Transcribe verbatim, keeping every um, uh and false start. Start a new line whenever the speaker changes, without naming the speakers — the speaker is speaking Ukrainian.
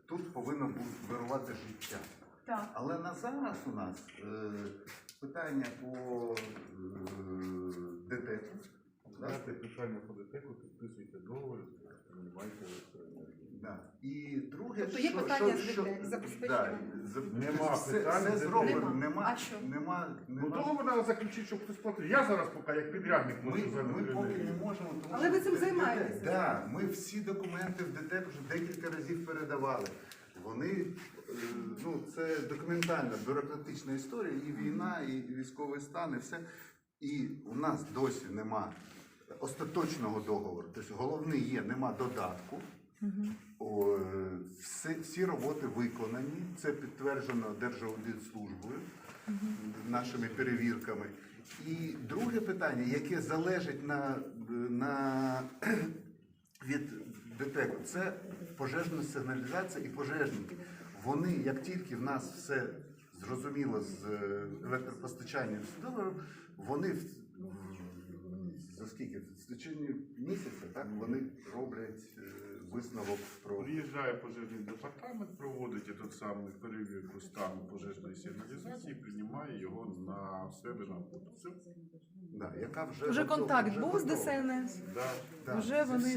тут повинно бути вирувати життя.
Так.
Але на зараз у нас е, питання по е, ДТЕКу.
Дайте питання по ДТЕКу, підписуйте договір, приймайте електроенергію.
Да. І друге,
Тобто є
що,
питання
що,
з
що,
ДТЕК, забезпечення?
да, за-
Нема
все,
питань
все
з
зроблено,
ДТЕК.
нема,
А що?
нема,
Ну
нема.
договор треба заключити, щоб хтось платив. Я зараз поки як підрядник
Ми,
можу за
ми поки не
електроенергію.
можемо, тому
Але ви
що
цим
ДТЕК
займаєтеся?
Да, ми всі документи в ДТЕК вже декілька разів передавали. Вони, е, ну, це документальна, бюрократична історія, і війна, і військовий стан, і все. І у нас досі нема остаточного договору. Тобто головний є, нема додатку. О, всі, всі роботи виконані, це підтверджено Держаудитслужбою, нашими перевірками. І друге питання, яке залежить на, на, від ДТЕКу, це пожежна сигналізація і пожежники. Вони, як тільки в нас все зрозуміло з електропостачанням, вони в- за скільки? В течение місяця, так, вони роблять е, висновок про...
Приїжджає пожежний департамент, проводить тот самий перевірку стану пожежної сигналізації, приймає його на себе на роботу. Все.
Да, яка вже
Вже
готова,
контакт
вже
був з
готова.
ДСНС?
Да.
Да,
Вже
це
вони